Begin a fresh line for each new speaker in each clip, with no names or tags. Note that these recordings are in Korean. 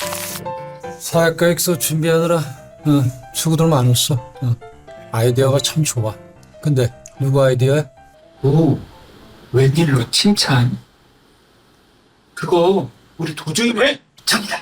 사회계획서 준비하느라 수고들 많았어. 아이디어가 참 좋아. 근데 누구 아이디어야?
오, 웬일로 칭찬? 그거 우리 도중이네? 저기다.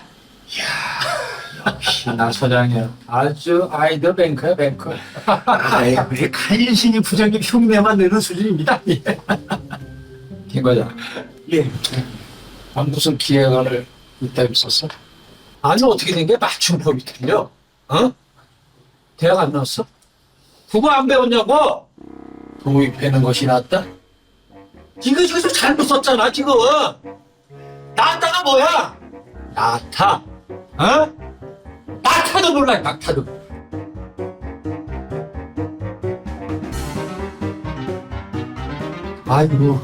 역시 나 소장이야.
아주 아이디어 뱅크야 뱅크.
아이, 우리 간신히 부장님 흉내만 내는 수준입니다.
김 과장,
예.
무슨 기획안을 이따위 썼어? 아니 어떻게 된 게 맞춤법이 틀려? 대학 안 나왔어? 그거 안 배웠냐고? 도입하는 것이 낫다? 이거 지금 잘못 썼잖아 지금. 낫다가 뭐야? 낙타. 낙타도 몰라 낙타도. 아이고.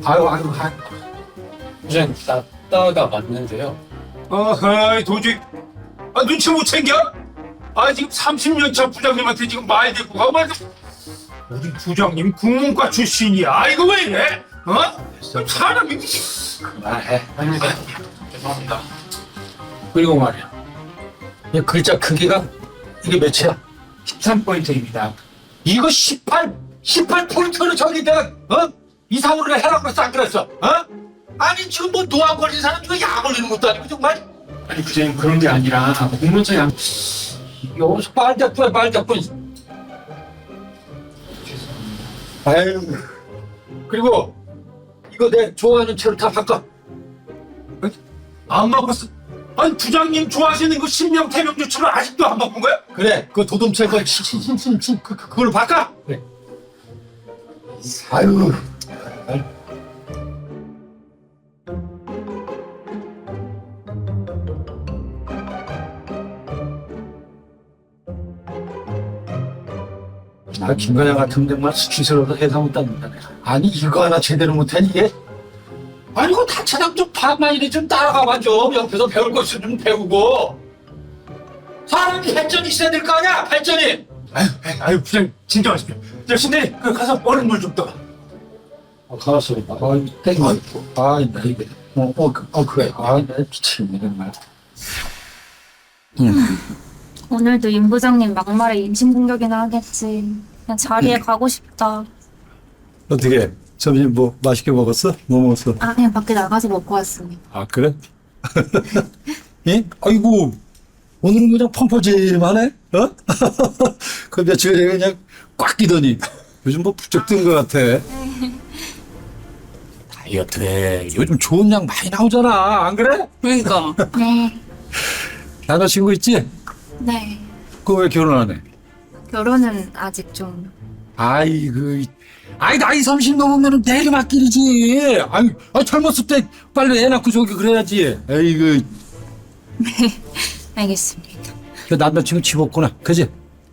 부장님, 낫다가 맞는데요.
어허이 도저히 눈치 못 챙겨? 지금 30년 차 부장님한테 지금 말 대꾸 가고 말고 우리 부장님 국문과 출신이야. 이거 왜 이래? 사람이
그만해.
죄송합니다.
그리고 말이야. 이 글자 크기가 이게 몇이야?
13포인트입니다.
이거 18포인트로 저기 내가 이상으로 해라고 그랬어 안 그랬어? 아니 지금 뭐 노안 걸린 사람 중에 약 걸리는 것도 아니고 정말.
아니 부장님 그런 게 아니라 공문서에
여기서 빨대뿐. 아유. 그리고 이거 내 좋아하는 채로 다 바꿔.
안 바꿨어. 아니 부장님 좋아하시는 그 신명 태명주처럼 아직도 안 바꾼 거야?
그래 그 도둠체 거 그걸로 바꿔. 그래. 아유. 나 김과장 같은 데만 수치스러워서 해서 못한다. 아니 이거 하나 제대로 못해 이게? 아니 이거 다차장 좀 반만이리 좀 따라가봐 좀. 옆에서 배울 거 있으면 좀 배우고. 사람이 발전이 있어야 될 거 아니야 발전이.
아유 부장님 진정하십시오. 저 신대리 가서 얼음물 좀 떠.
가만있어. 땡겨. 나 이게. 그래. 나 미치겠네 정말.
오늘도 임 부장님 막말에 인신공격이나 하겠지. 그냥 자리에 가고 싶다.
어떻게 점심 뭐 맛있게 먹었어? 뭐 먹었어?
그냥 밖에 나가서 먹고 왔습니다.
아 그래? 예? 아이고 오늘은 그냥 펑퍼짐하네? 그 며칠 전에 그냥 꽉 끼더니 요즘 뭐 부쩍 뜬 것 같아. 다이어트에 요즘 좋은 약 많이 나오잖아 안 그래?
그러니까.
네.
남자친구 있지?
네.
그거 왜 결혼 안 해?
결혼은 아직 좀.
아이 나이 30 넘으면 내리막길이지. 젊었을 때 빨리 애 낳고 저기 그래야지. 에이그.
알겠습니다.
그 남자친구 집 없구나, 그지?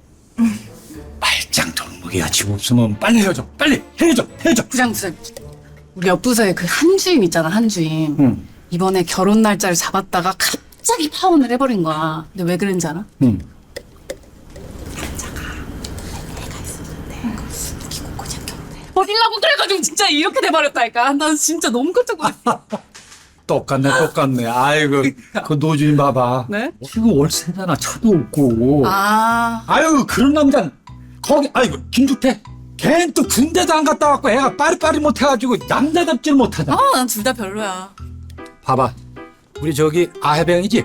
말짱 돌무게야. 집 없으면 빨리 헤어져. 빨리 헤어져.
부장. 우리 옆 부서에 그 한주임 있잖아, 한주임.
응.
이번에 결혼 날짜를 잡았다가 갑자기 파혼을 해버린 거야. 근데 왜 그런지 알아?
응.
버리려고 그래가지고 진짜 이렇게 돼버렸다니까. 난 진짜 너무 깜짝 놀랐어.
똑같네. 아이고, 그 노주인 봐봐.
네?
지금 월세잖아. 차도 없고. 아유, 그런 남자는 거기, 아이고, 김주태. 걔는 또 군대도 안 갔다 왔고 애가 빠리빠리 못해가지고 남자답지를 못하잖아.
난 둘 다 별로야.
봐봐. 우리 저기 아해병이지?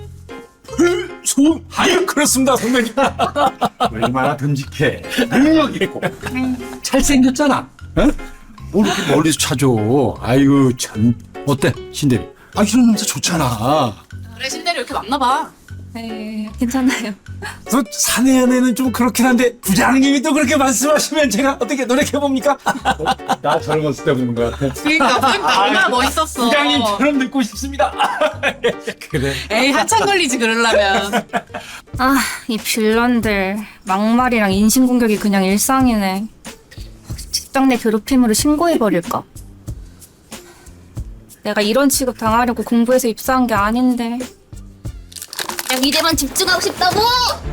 아유, 그렇습니다, 선배님. 얼마나 듬직해. 능력 있고. 잘생겼잖아. 응? 뭘 이렇게 멀리서 찾아. 아이고, 참. 어때, 신대리? 이런 남자 좋잖아.
그래, 신대리 이렇게 만나봐.
네, 괜찮아요.
또 사내 연애는 좀 그렇긴 한데 부장님이 또 그렇게 말씀하시면 제가 어떻게 노력해봅니까? 나 젊었을 때 보는 것 같아.
그러니까 얼마나 멋있었어.
부장님처럼 듣고 싶습니다. 그래.
에이, 한참 걸리지, 그러려면.
이 빌런들. 막말이랑 인신공격이 그냥 일상이네. 직장 내 괴롭힘으로 신고해버릴까? 내가 이런 취급 당하려고 공부해서 입사한 게 아닌데.
그냥 일에만 집중하고 싶다고!